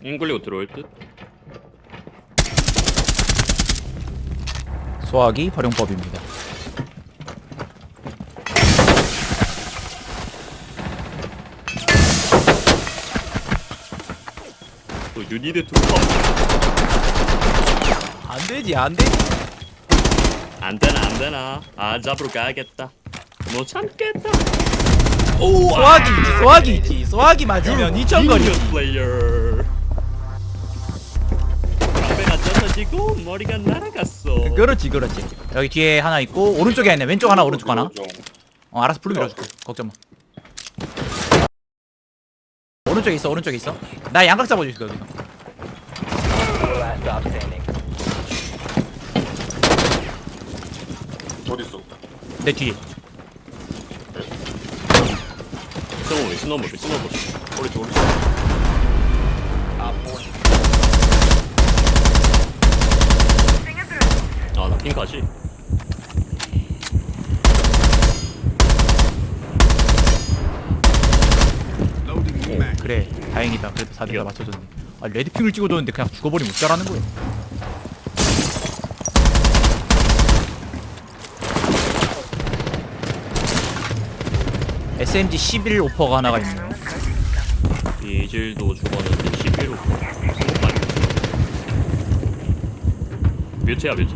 잉글리고 들어올 듯? 소화기 활용법입니다. 또 유니드 투컵 안되지 안되지. 안되나 아 잡으러 가야겠다. 못 참겠다. 오 소화기 있지 소화기 있지. 소화기 맞으면 2,000거리지. 플레이어. 담배가 젖어지고 머리가 날아갔어. 그렇지 그렇지. 여기 뒤에 하나 있고 오른쪽에 있네. 왼쪽 하나 오른쪽 하나. 알아서 풀 밀어줄게. 걱정 마. 오른쪽에 있어 오른쪽에 있어. 나 양각 잡아줄게 여기서. Last stop standing. 어딨어? 내 뒤에. 스노우볼 오른쪽 오른쪽. Op 4. 아나 핑카지. 그래 다행이다. 그래도 4대가 이겨. 맞춰줬네. 아 레드핑을 찍어줬는데 그냥 죽어버리면 어쩌라는 거야. SMG 11 오퍼가 하나가 있네요. 이질도 죽었는데 11호 스모까지. 뮤트야 뮤트.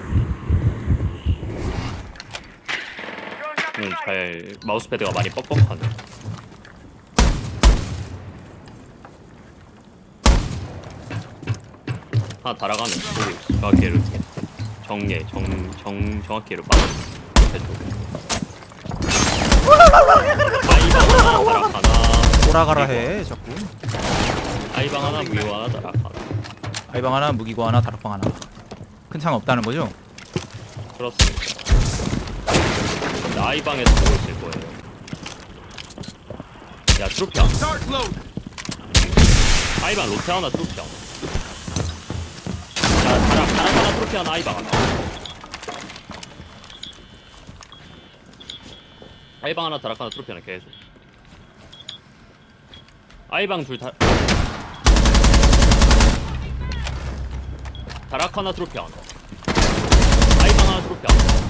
잘 마우스패드가 많이 뻑뻑하네. 하나 달아가면 거기 정확히 이렇게 정확히로 빠져. 아이방 하나 다락하나. 오라가라 해 자꾸. 아이방 하나 무효 하나 다락하나. 아이방 하나 무기고 하나 다락방 하나. 큰 차이 없다는 거죠? 그렇습니다. 근데 아이방에서 보고 있을 거예요. 야 트로피야. 아이방 로테 하나 트로피야. 야 다락 하나 트로피 하나 아이방 하나. 아이방 하나 다락 하나 트로피 하나 계속. 아이방 둘 다. 다락 하나 트로피 하나. 아이방 하나 트로피 하나.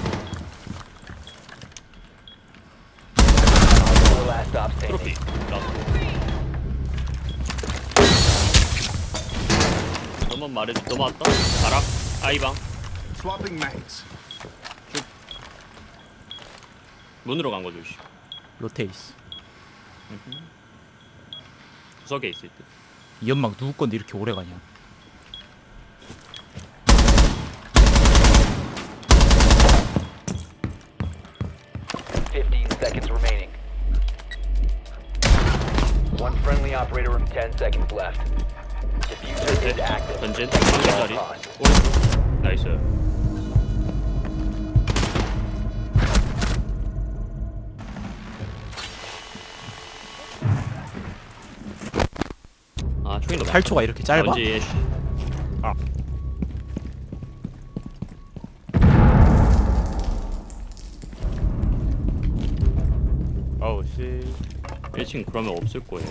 Last stop 트로피. standing. 라스트. 너만 말해 넘어왔다. 다락 아이방 Swapping mags. 문으로 간 거죠. 씨. 로테이스. 구석에 있을 듯. 이 연막 누구 건데 이렇게 오래 가냐? Fifteen seconds remaining. One friendly operator with 10 seconds left. Diffuser is active. 전진 All 자리 costs. 오른쪽 나이스. 아 총이 너무 8초가 이렇게 짧아? 전지 애쉬. 아 아우 씨. 1층 그러면 없을 거예요.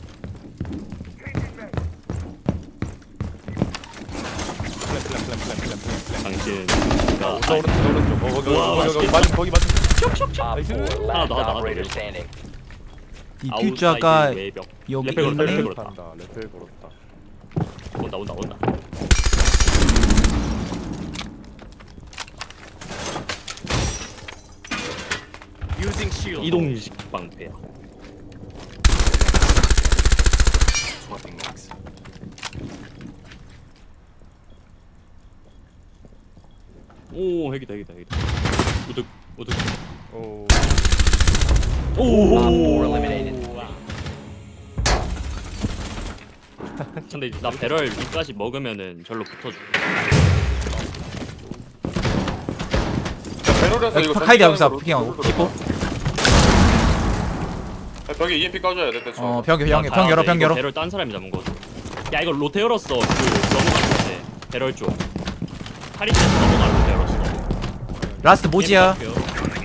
당신가 오른쪽. 거기 우와, 맞은 거기 맞은. Op 4, last 나와. operator standing. 디퓨저가 아웃사이드 외벽. 여기 레펠 걸었다, 있네. 레펠 걸었다. 한다. 레펠 걸었다. 온다. Using shield. 이동식 방패야. Swapping mags. 오 핵이다. 우득. 오. Op 4 eliminated. 근데 나 배럴 위까지 먹으면은 절로 붙어줘. 배럴에서 이거 카이드 여기서 전진으로 피킹하고 룰루 키포. 벽에 EMP 까줘야 돼 대충. 병 열어 병 열어. 배럴 딴 사람이 잡은 거죠. 야 이거 로테 열었어. 그 넘어갔는데 배럴 쪽. 카리스에서 넘어갈 로테 열었어. 라스트 모지야.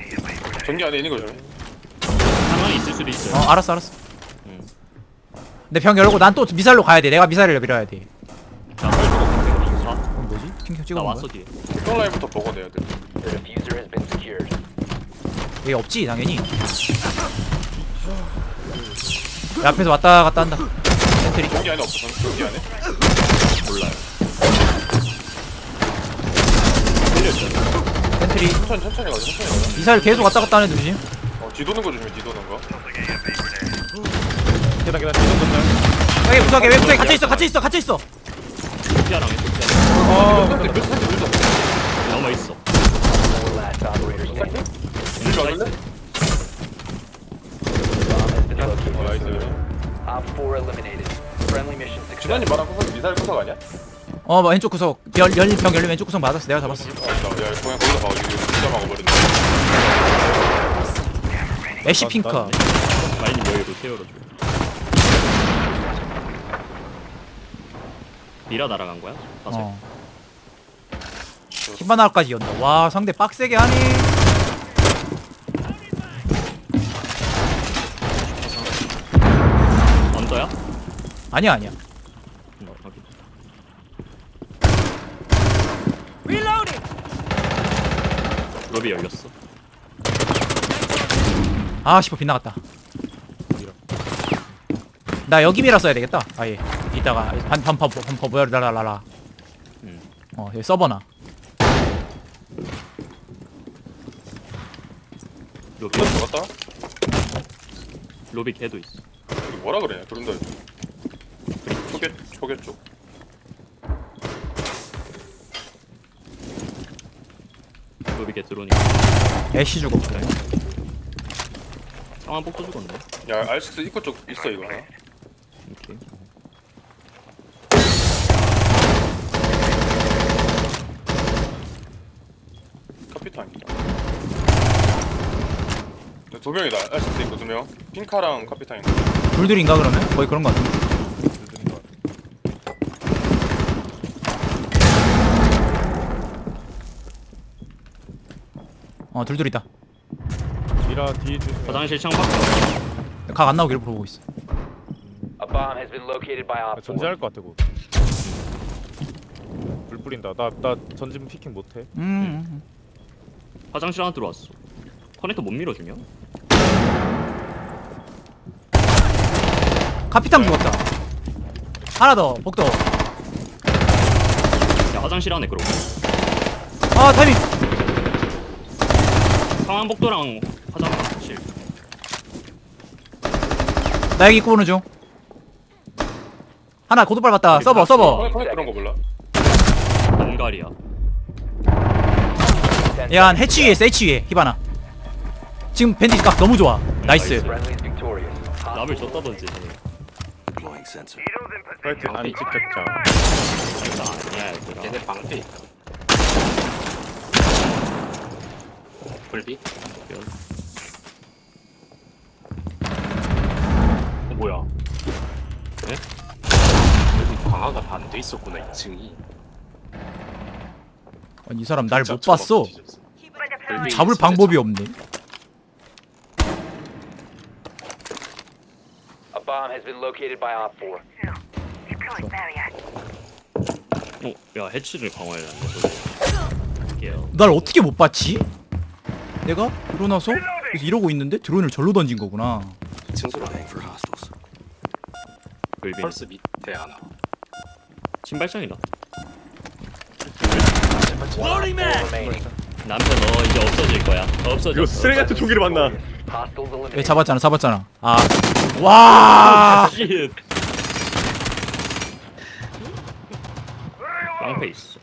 전기 안에 있는 거죠. 상황이 있을 수도 있어요. 알았어. 응. 근데 병 열고 난 또 미사일로 가야 돼. 내가 미사일을 밀어야 돼. 자 설주고 인사. 그럼 뭐지? 핑크 찍어 나 놓은 왔어 거야? 뒤에. 형 라인부터 먹어내야 돼. The diffuser has been secured. 얘 없지 당연히. 야, 앞에서 왔다 갔다 한다. 센트리. 여기 안에 없어. 여기 안에. 몰라요. 센트리. 천천히 가자. 천천히 가자. 미사일 계속 왔다 갔다 하는 애 조심. 뒤도는 거 조심해. 뒤도는 거. 계단 뒤좀 던져. 왜 구석에 왜 구석에 갇혀 있어 갇혀 있어 갇혀 있어. 소피아랑 소피아. 몇 살지 몇 살? 넘어 있어. 4 last operators standing. 이리 와줄래? Bomb has been located. 나이스. Op 4 eliminated. Friendly mission 지난이 success. 말한 구석 미사일 구석 아니야? 뭐 왼쪽 구석 병 열린 왼쪽 구석 맞았어. 내가 잡았어. 야 그냥 거기다 봐. 이거 진짜 막아버린다. 애쉬 핑크. 마인이 여기 로테어로 줘. 미라 날아간 거야? 봐서. 어. 히바나까지 연다. 와 상대 빡세게 하네. 언더야? 아니야 아니야. 확인. 로비 열렸어. 아 10호 빗나갔다. 나 여기 미라 써야 되겠다. 아예 이따가 반파 뭐야 라라라라. 여기 서버나. 로비 들어갔다. 로비 걔도 있어. 이거 뭐라 그래? 그런다. 초계 쪽. 로비 걔 들어오니까. 애쉬 주고. 상황 폭도 죽었네. 야 R6 입구 쪽 있어 이거 하나. 오케이. 카피탕이다. 두 명이다. R6 입구 두 명. 핑카랑 카피탕인가? 둘둘인가 그러면? 거의 그런 거 같은데. 둘둘이다. 미라 뒤에 주. 화장실 창밖에. 각 안 나오기를 보고 있어. A bomb has been located by Op 4. 전진할 것 같아 고. 불 뿌린다. 나 전진 피킹 못해. 화장실 하나 들어왔어. 커넥터 못 밀어주냐? 카피탕 죽었다. 하나 더 복도. 야 화장실 안에 그러고. 아 타이밍. 상황 복도랑 화장실. 나 여기 입고 오는 중. 하나 고도발 봤다. 서버. 커넥 그런 거 몰라? 안갈이야. 야 해치 위에 있어. 해치 위에 히바나. 지금 밴디지 각 너무 좋아. 나이스. Friendly is victorious. 남을 줬다던지. Deploying sensor. 파이트 아니 집착자. 아니야 얘들아. 얘네 방패 있다. 불비? 뭐야? 네? 여기 방아가 반대 있었구나 2층이. 아니 이 사람 날 못 봤어. 불비 잡을 있을 방법이 때 없네. A bomb has been located by Op 4. 야 해치를 강화해야 하는데. 할게요. 날 어떻게 못 봤지? 내가 일어나서 그래서 이러고 있는데 드론을 절로 던진 거구나. 2층 소리 Spying for hostiles. 불비. 펄스 밑에 하나. 신발장이다. Remaining. 남편 너 이제 없어질 거야. 없어져. 이거 쓰레기 같은 총기를 만나. Hostiles 왜 eliminated. 잡았잖아. 아. 와. 쉣. 방패 있어.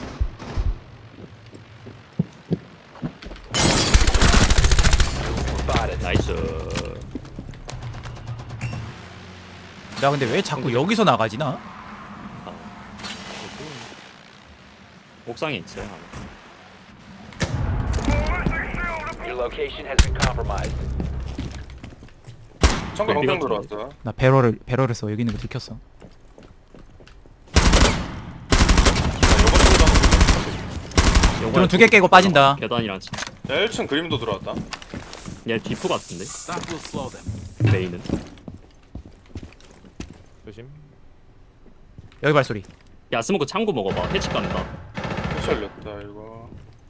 Spotted. 나이스. 나 근데 왜 자꾸 여기서 나가지 나? 옥상에 있어요. Your location has been compromised. 창고 네, 방평 비가 들어왔어. 나 배럴을 써. 여기 있는 거 들켰어. 드론 2개 깨고 빠진다. 계단이랑 야 1층 그림도 들어왔다. 얘 디프 같은데. That will slow them. 메인은. 조심. 여기 발소리. 야 스모크 창고 먹어봐. 해치 간다. 패치 열렸다 이거.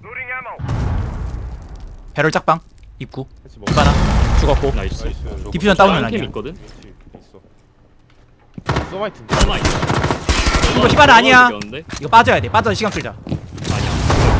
배럴 짝방 입구. 같이 먹어. 디바나 죽었고. 나이스. 나이스. 디퓨전 다운은 캠 아니야. 있거든. 있어. 서마이트인데. 하나 있어. 이거 히바나 아니야. 이겼는데? 이거 빠져야 돼. 빠져서 시간 끌자. 아니야.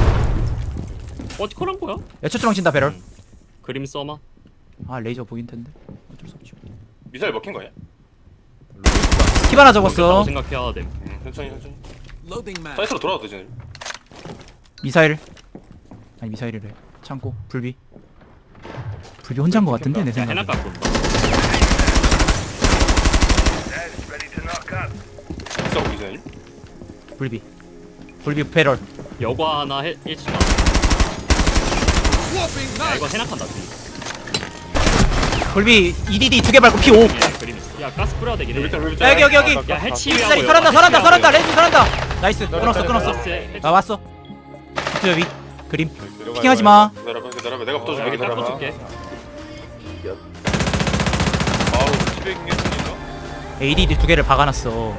버티컬한 거야? 야 초트랑 친다 배럴. 그림 써마. 아 레이저 보긴 텐데. 어쩔 수 없지. 미사일 먹힌 거 아니야? 히바나 먹겠다고 적었어. 생각해야 돼. 천천히. Loading mag. 사이트로 돌아와도 되지. 미사일. 아니 미사일이래. 창고 불비. 불비 혼자인 거 같은데 내 야 해나 생각에. 갖고 온다. 있어 미사일. 불비. 불비 배럴. 여과 하나 일치가. 야 이거 해나칸다. 불비 EDD 2개 밟고 P5. 예, 그림 있어. 야 가스 뿌려야 되긴 해. 야, 여기. 야 해치 이 설한다 레이저 설한다. 나이스. 끊었어. 나 왔어. 여기 그림. 피킹하지 마. 기다려봐. 내가 붙어줄게. 여기 딱 기다려봐. 붙을게. 바로 200개 ADD 2개를 박아놨어.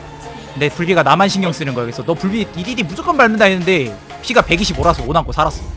근데 불비가 나만 신경 쓰는 거야. 그래서 너 불비 EDD 무조건 밟는다 했는데 피가 125라서 5 남고 살았어.